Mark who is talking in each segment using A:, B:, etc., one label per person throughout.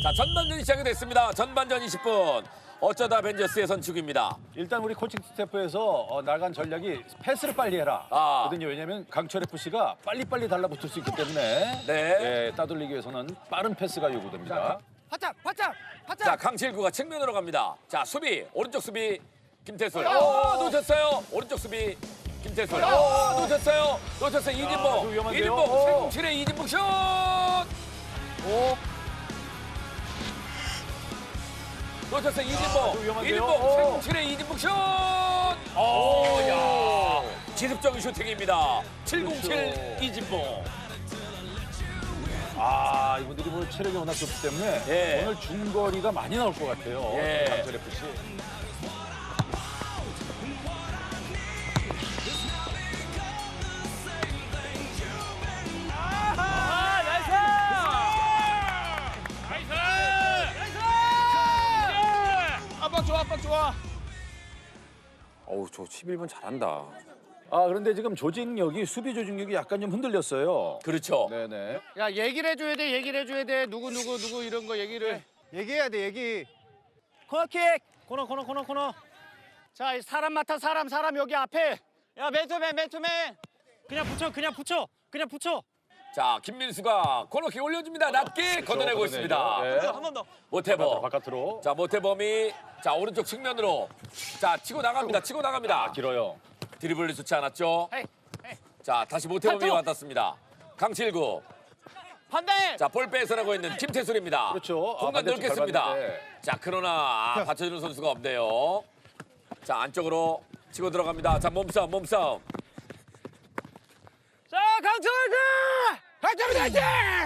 A: 자, 전반전이 시작이 됐습니다. 전반전 20분. 어쩌다 벤져스의 선축입니다.
B: 일단 우리 코칭 스태프에서 나간 전략이 패스를 빨리 해라. 거든요. 왜냐하면 강철 FC가 빨리빨리 달라붙을 수 있기 때문에
A: 네.
B: 따돌리기 위해서는 빠른 패스가 요구됩니다.
C: 바짝, 바짝, 바짝.
A: 자, 강칠구가 측면으로 갑니다. 자, 수비. 오른쪽 수비. 김태술. 놓쳤어요. 오른쪽 수비. 김태술. 놓쳤어요. 놓쳤어요. 이진봉.
B: 위험한데요?
A: 이진봉. 707의 이진봉 슛! 놓쳤어요. 이진봉.
B: 위험한데요?
A: 이진봉. 707의 이진봉 슛! 야, 지속적인 슈팅입니다. 707 이진봉.
B: 이분들이 뭐 체력이 워낙 좋기 때문에
A: 예.
B: 오늘 중거리가 많이 나올 것 같아요.
A: 예.
B: 강철 FC.
C: 압박 좋아, 압박 좋아.
A: 어우, 저 11번 잘한다.
B: 그런데 지금 조직력이 수비 조직력이 약간 좀 흔들렸어요.
A: 그렇죠.
B: 네네.
C: 야, 얘기를 해줘야 돼, 얘기를 해줘야 돼. 누구 이런 거 얘기를. 얘기해야 돼, 얘기. 코너킥. 코너. 자, 사람 맡아, 사람 여기 앞에. 야, 맨투맨. 그냥 붙여.
A: 자, 김민수가 코너킥 올려줍니다. 낮게 걷어내고
B: 걷어내죠.
A: 있습니다.
B: 네.
C: 한 번 더.
A: 모태범.
B: 바깥으로.
A: 자, 모태범이 자 오른쪽 측면으로 자 치고 나갑니다. 치고 나갑니다.
B: 길어요.
A: 드리블이 좋지 않았죠.
C: 헤이.
A: 자, 다시 모태범이
C: 한쪽.
A: 왔습니다. 강칠구.
C: 반대.
A: 자, 볼 빼서나고 있는 김태술입니다.
B: 그렇죠.
A: 공간
B: 반대쪽
A: 넓겠습니다.
B: 밟았는데.
A: 자, 그러나 받쳐주는 선수가 없네요. 자, 안쪽으로 치고 들어갑니다. 자, 몸싸움.
C: 자, 강철 화이팅!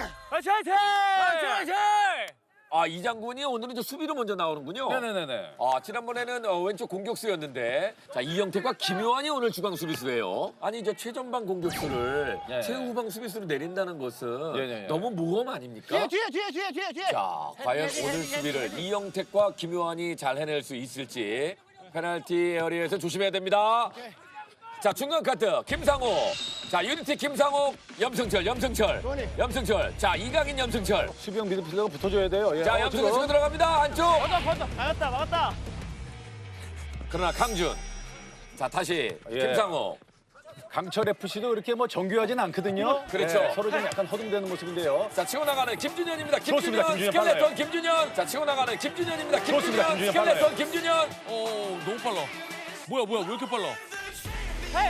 C: 화이팅!
A: 아, 이장군이 오늘은 저 수비로 먼저 나오는군요.
B: 네네네네.
A: 지난번에는 왼쪽 공격수였는데 자 이영택과 김요한이 오늘 주강 수비수예요. 아니 저 최전방 공격수를
B: 네.
A: 최후방 수비수로 내린다는 것은
B: 네.
A: 너무 모험 아닙니까?
C: 뒤에.
A: 자 과연 오늘 수비를 이영택과 김요한이 잘 해낼 수 있을지 페널티 에어리에서 조심해야 됩니다. 자 중간 카트 김상호. 자 유니티 김상호 염승철. 자 이강인 염승철.
B: 수비형 미드필더가 붙어줘야 돼요. 예.
A: 자 염승철 치고 들어갑니다. 안쪽.
C: 막았다.
A: 그러나 강준. 자 다시
B: 예.
A: 김상호.
B: 강철 FC도 그렇게 뭐 정교하진 않거든요.
A: 그렇죠.
B: 예, 서로 좀 약간 허둥대는 모습인데요.
A: 자 치고 나가는 김준현입니다.
B: 좋습니다. 김준현
A: 스켈레톤
B: 빨라요.
A: 김준현. 자 치고 나가는 김준현입니다.
B: 좋습니다. 김준현 빨라요.
A: 스켈레톤 김준현.
D: 너무 빨라. 뭐야, 왜 이렇게 빨라?
C: 헤이,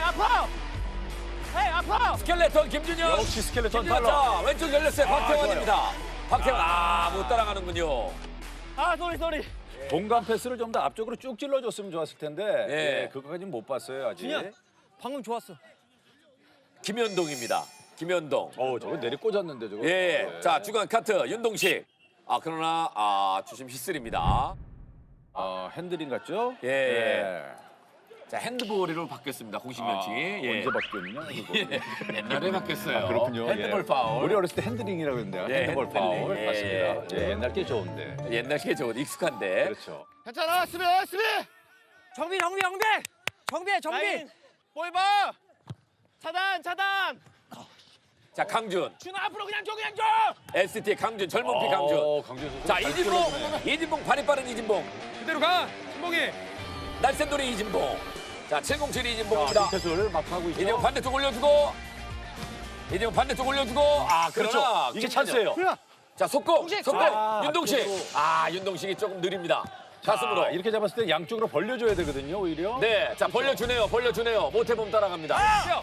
C: 아파.
A: 스켈레톤 김준현.
B: 역시 스켈레톤
A: 김준현.
B: 빨라.
A: 자 왼쪽 열렸어요. 박태환입니다. 박태환 못 따라가는군요.
C: 쏘리.
B: 공간 패스를 좀 더 앞쪽으로 쭉 찔러줬으면 좋았을 텐데
A: 예.
B: 그거까지는 못 봤어요 아직.
C: 준현. 방금 좋았어.
A: 김현동입니다. 김현동.
B: 저거 내리 꽂았는데 저거.
A: 예. 자 중간 카트 윤동식. 그러나 주심 휘슬입니다.
B: 핸들링 같죠?
A: 예. 자 핸드볼로 바뀌었습니다. 공식 명칭이. 예.
B: 언제 바뀌었냐? 그거.
A: 옛날에 바뀌었어요.
B: 그렇군요.
A: 핸드볼
B: 예.
A: 파울.
B: 우리 어렸을 때 핸들링이라고 했는데
A: 예,
B: 핸드볼
A: 핸들링.
B: 파울
A: 예.
B: 맞습니다. 예, 옛날 게 좋은데.
A: 옛날 게 좋은 익숙한데.
B: 그렇죠.
C: 괜찮아, 수비. 정비. 볼 봐. 차단.
A: 자 강준.
C: 준아 앞으로 그냥 줘.
A: ST 강준 젊은 피 강준.
B: 강준 선수.
A: 자
B: 잘
A: 이진봉.
B: 찔러주네.
A: 이진봉 발이 빠른 이진봉.
D: 그대로 가, 신봉이.
A: 날쌘돌이 이진봉. 자 707 이진봉입니다.
B: 패스를 막 하고 있죠.
A: 이진봉 반대쪽 올려주고. 이진봉 반대쪽 올려주고. 그러나
B: 그렇죠. 이게 찬스예요.
A: 자 속공. 속공.
B: 아,
A: 윤동식.
B: 앞쪽으로.
A: 윤동식이 조금 느립니다. 가슴으로.
B: 이렇게 잡았을 때 양쪽으로 벌려줘야 되거든요 오히려.
A: 네. 자 벌려주네요. 모태범 따라갑니다.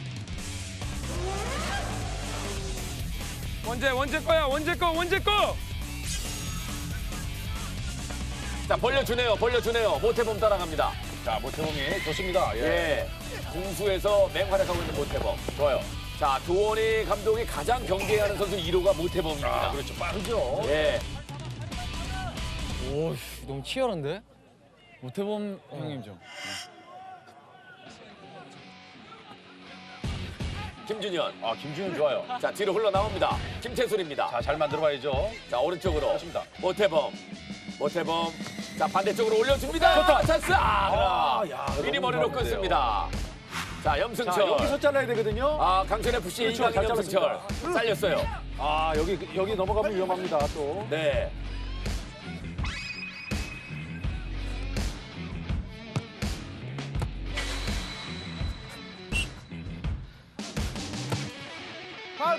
D: 원재 거야, 원재 거.
A: 자 벌려주네요. 모태범 따라갑니다.
B: 자 모태범이 좋습니다. 예.
A: 예. 공수에서 맹활약하고 있는 모태범.
B: 좋아요.
A: 자 조원희 감독이 가장 경계하는 선수 1호가 모태범입니다.
B: 그렇죠. 빠르죠.
A: 예.
D: 오, 너무 치열한데? 모태범 형님 좀.
A: 김준현.
B: 김준현 좋아요.
A: 자 뒤로 흘러나옵니다. 김태술입니다.
B: 자 잘 만들어봐야죠.
A: 자 오른쪽으로.
B: 좋습니다.
A: 모태범. 자 반대쪽으로 올려줍니다.
B: 좋다.
A: 찬스. 그러나
B: 야,
A: 미리
B: 너무
A: 머리로
B: 좋았는데요.
A: 끊습니다. 자, 염승철.
B: 자, 여기서 잘라야 되거든요.
A: 아, 강철 FC
B: 그렇죠,
A: 이강인
B: 잘
A: 염승철. 잘렸어요.
B: 아, 여기 넘어가면 위험합니다, 또.
A: 네.
C: 파울.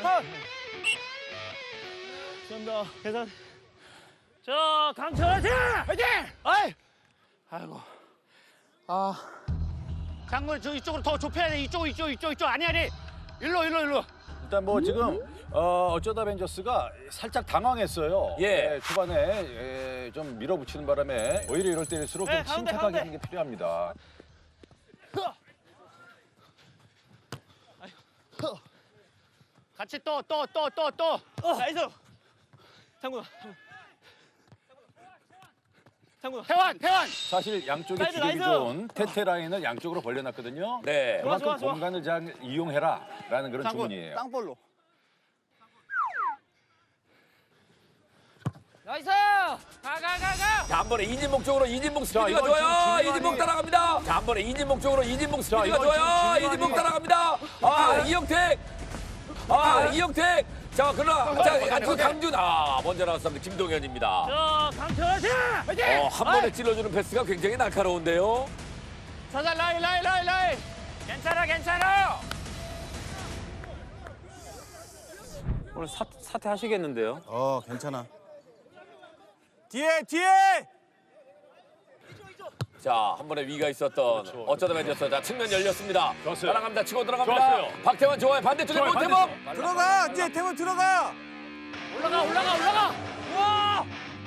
C: 감사합니다. 계산. 자, 강철 화이팅! 화이팅! 아이! 아이고. 아. 장물 저 이쪽으로 더 좁혀야 돼. 이쪽. 아니. 일로.
B: 일단 뭐 지금 어쩌다 벤져스가 살짝 당황했어요.
A: 예.
B: 초반에 좀 밀어붙이는 바람에 오히려 이럴 때일수록 좀
C: 가운데,
B: 침착하게
C: 가운데.
B: 하는 게 필요합니다.
C: 같이 또. 나이스. 장군. 태환.
B: 사실 양쪽에
C: 나이스,
B: 주력이
C: 나이스.
B: 좋은 테테 라인을 양쪽으로 벌려놨거든요.
A: 네.
B: 그만큼
C: 좋아.
B: 공간을 잘 이용해라라는 그런
C: 장군.
B: 주문이에요.
C: 땅볼로.
E: 나이스! 가!
A: 자, 한 번에 이진목 쪽으로 이진목 스피드가
B: 이건
A: 좋아요.
B: 지금
A: 이진목 따라갑니다. 자, 한 번에 이진목 쪽으로 이진목 스피드가
B: 이건
A: 좋아요.
B: 지금
A: 이진목 따라갑니다. 아, 이영택. 자, 그러나 자, 강준. 먼저 나왔습니다. 김동현입니다.
C: 자, 강철 화이팅!
A: 한 번에 찔러주는 패스가 굉장히 날카로운데요.
C: 사살 라인. 괜찮아.
D: 오늘 사퇴하시겠는데요?
F: 괜찮아.
C: 뒤에!
A: 자, 한 번에 위가 있었던 어쩌다 벤져스. 자, 측면 열렸습니다.
B: 좋았어요.
A: 따라갑니다. 치고 들어갑니다.
B: 좋았어요.
A: 박태환 좋아요. 반대쪽에
B: 좋아요,
A: 모태범.
B: 반대쪽.
F: 들어가! 이제 태원 들어가!
C: 올라가! 와!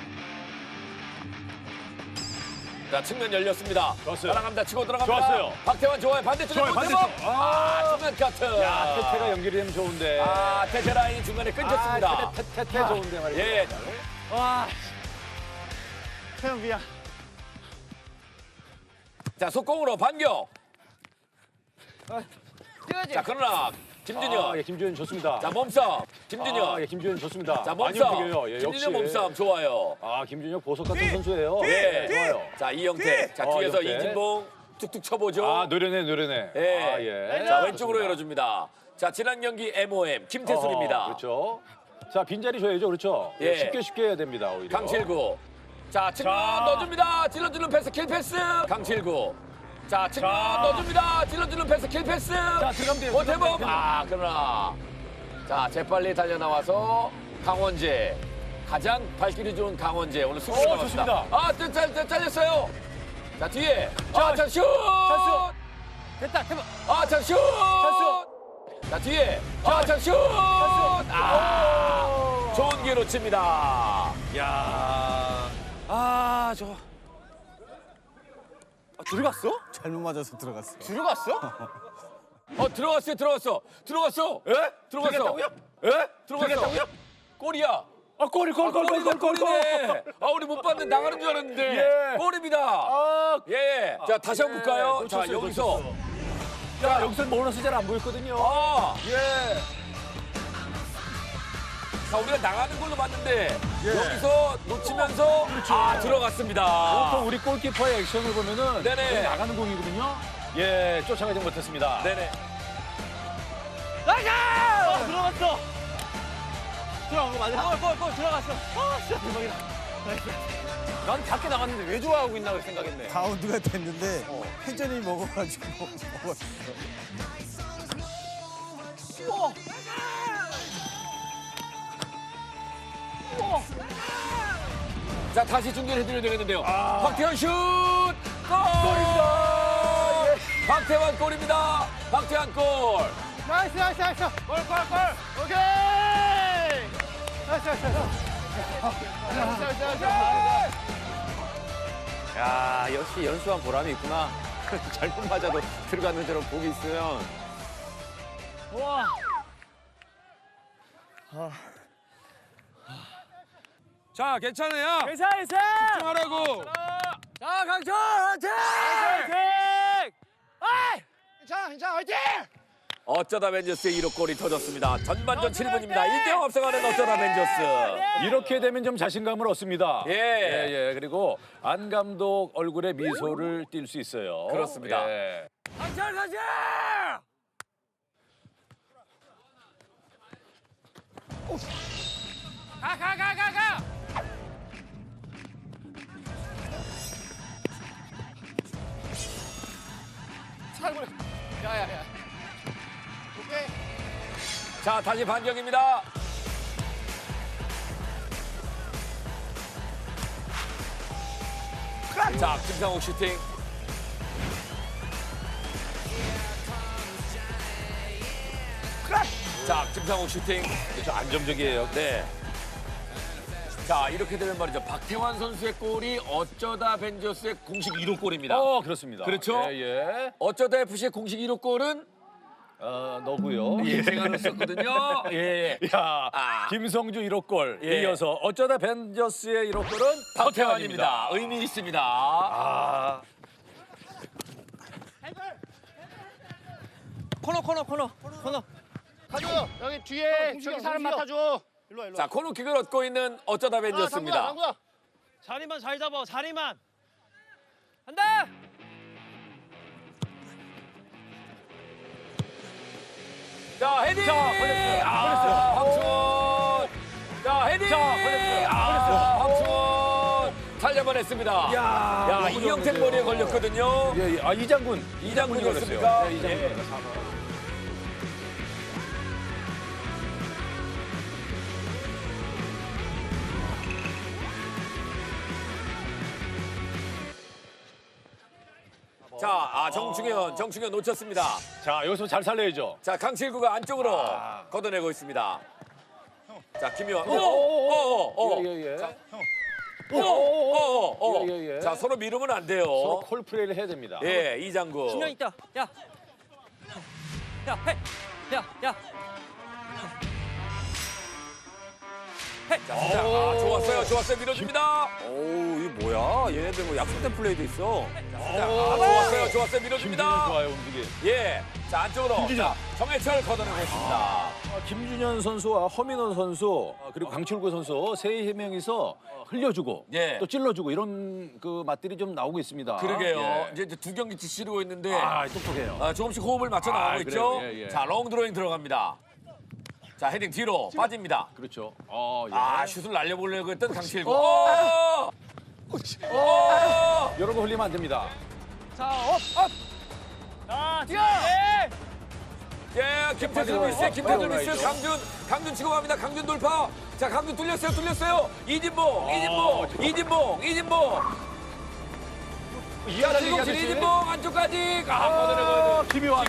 A: 자, 측면 열렸습니다.
B: 좋았어요.
A: 따라갑니다. 치고 들어갑니다.
B: 좋았어요.
A: 박태환 좋아요. 반대쪽에
B: 좋아요,
A: 모태범.
B: 반대쪽.
A: 중간 카트.
B: 야, 테테가 연결이 되면 좋은데.
A: 테테 라인이 중간에 끊겼습니다.
B: 테테 좋은데 말이에요.
A: 예.
C: 와. 태영 미안.
A: 자, 속공으로 반격.
E: 뛰어야지.
A: 자, 그러나 김준현.
B: 예, 김준현 좋습니다.
A: 자, 몸싸움. 김준현.
B: 예, 김준현 좋습니다.
A: 자,
B: 많이
A: 몸싸움.
B: 움직여요. 예, 역시.
A: 김준현 몸싸움 좋아요.
B: 김준현 보석 같은 선수예요.
A: 예.
B: 좋아요.
A: 자, 이영택. 자, 뒤에서
B: 이영택.
A: 이진봉 툭툭 쳐보죠.
B: 노련해.
A: 예.
B: 예.
A: 자, 왼쪽으로 열어줍니다. 자, 지난 경기 MOM 김태술입니다.
B: 그렇죠. 자, 빈자리 줘야죠. 그렇죠.
A: 예.
B: 쉽게 해야 됩니다. 오히려.
A: 강칠구. 자, 측면 넣어줍니다. 찔러주는 패스, 킬 패스. 강칠구. 자, 측면 넣어줍니다. 찔러주는 패스, 킬 패스.
B: 자, 들어가면 돼요.
A: 모태범.
B: 들어가면 돼요.
A: 그러나. 자, 재빨리 달려나와서 강원재. 가장 발길이 좋은 강원재. 오늘 승리를
B: 좋습니다.
A: 나왔습니다. 잘렸어요. 자, 뒤에. 자, 슛!
C: 됐다.
A: 자, 슛! 자, 뒤에. 자, 슛! 좋은 기회 놓칩니다.
C: 들어갔어?
F: 잘못 맞아서 들어갔어.
A: 들어갔어.
B: 예?
A: 들어갔어.
B: 예?
A: 들어갔어. 골이야.
B: 골.
A: 골이네. 우리 못 봤는데 나가는 줄 알았는데.
B: 예.
A: 골입니다. 예. 자, 다시 한번 볼까요? 자,
B: 놓쳤어요,
A: 여기서.
B: 놓쳤어. 자, 여기서 보너스 잘 안 보였거든요. 예.
A: 자, 우리가 나가는 걸로 봤는데 여기서 놓치면서 들어갔습니다.
B: 보통 우리 골키퍼의 액션을 보면은
A: 네네.
B: 거의 나가는 공이거든요. 예, 쫓아가지 못했습니다.
A: 네네.
C: 들어갔어. 들어간 거 맞아? 골 들어갔어. 진짜 대박이다.
D: 난 밖에 나갔는데 왜 좋아하고 있나 생각했네.
F: 가운데가 됐는데 회전이 먹어가지고 먹었어.
A: 자, 다시 중계해드려야 되겠는데요. 박태환 슛! 골! 박태환 골입니다. 박태환 골.
C: 나이스. 골. 오케이. 나이스.
D: 야, 역시 연수한 보람이 있구나. 잘못 맞아도 들어가는 저런 복이 있으면.
C: 와.
G: 자, 괜찮아요.
C: 괜찮아.
G: 집중하라고.
C: 자, 강철 화이팅! 괜찮아. 화이팅!
A: 어쩌다 벤져스의 1호 골이 터졌습니다. 전반전 7분입니다. 1대0 앞서가는 어쩌다 벤져스.
B: 이렇게 되면 좀 자신감을 얻습니다.
A: 예.
B: 예. 그리고 안 감독 얼굴에 미소를 띌 수 있어요.
A: 그렇습니다.
B: 예.
A: 강철 가자!
C: 가. 야야야. 오케이.
A: 자, 다시 반격입니다. 자, 김상욱 슈팅. 자, 김상욱 슈팅.
B: 그렇죠. 안정적이에요.
A: 네. 자, 이렇게 되면 말이죠. 박태환 선수의 골이 어쩌다 벤저스의 공식 1호 골입니다.
B: 그렇습니다.
A: 그렇죠?
B: 예.
A: 어쩌다 FC의 공식 1호 골은
B: 너고요.
A: 예, 제가 넣었었거든요. 예.
B: 야,
A: 아.
B: 김성주 1호 골
A: 예.
B: 이어서 어쩌다 벤저스의 1호 골은
A: 박태환입니다. 의미 있습니다.
B: 아,
C: 코너. 가줘. 여기 뒤에 저기 사람 맡아줘. 일로 와.
A: 자, 코너킥을 얻고 있는 어쩌다 벤저스입니다.
C: 장구야.
E: 자리만 잘 잡아. 자리만. 한다.
A: 자, 헤딩!
B: 걸렸어요.
A: 황충원! 자, 헤딩!
B: 걸렸어요.
A: 황충원! 살려만했습니다.
B: 야,
A: 야,
B: 너무
A: 이영택
B: 좋은데요.
A: 머리에 걸렸거든요.
B: 예. 아, 이장군이
A: 이장군이었습니까?
B: 걸렸어요. 네,
A: 예.
B: 이장군.
A: 자, 정충현 놓쳤습니다.
B: 자, 여기서 잘 살려야죠.
A: 자, 강칠구가 안쪽으로 걷어내고 있습니다. 자, 김효환.
B: 예. 예.
A: 자, 서로 미루면 안 돼요.
B: 서로 콜플레이를 해야 됩니다.
A: 예, 이장구.
E: 중량 있다. 야. 해. 야.
A: 자, 진짜. 좋았어요. 밀어줍니다.
D: 오, 이게 뭐야? 얘네들 뭐 약속된 플레이도 있어.
A: 좋았어요. 밀어줍니다.
B: 김준현 좋아요, 움직임.
A: 예. 자, 안쪽으로.
B: 김준현.
A: 자, 정해철 걷어내고 있습니다.
B: 김준현 선수와 허민호 선수 그리고 강철구 선수 세 명이서 흘려주고
A: 예.
B: 또 찔러주고 이런 그 맛들이 좀 나오고 있습니다.
A: 그러게요.
B: 예.
A: 이제 두 경기치 치르고 있는데
B: 똑똑해요.
A: 조금씩 호흡을 맞춰 나가고 있죠.
B: 그래요. 예.
A: 자, 롱 드로잉 들어갑니다. 자, 헤딩 뒤로 빠집니다.
B: 그렇죠.
A: 슛을 날려보려고 했던 강칠구.
B: 여러분 흘리면 안 됩니다.
E: 자, 업. 뛰어.
A: 예, 김태준 미스, 강준 치고 갑니다. 강준 돌파. 자, 강준 뚫렸어요. 이진봉. 자, 이진봉 안쪽까지.
B: 김효환.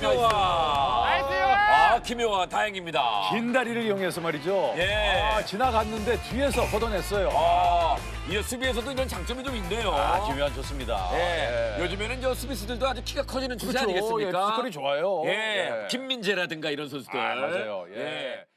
A: 김효환 다행입니다.
B: 긴 다리를 이용해서 말이죠.
A: 예.
B: 지나갔는데 뒤에서 걷어냈어요.
A: 이 수비에서도 이런 장점이 좀 있네요.
B: 김효환 좋습니다.
A: 예. 요즘에는 저 수비수들도 아주 키가 커지는 주제
B: 그렇죠.
A: 아니겠습니까?
B: 피지컬이 좋아요.
A: 예. 김민재라든가 이런 선수들.
B: 맞아요. 예.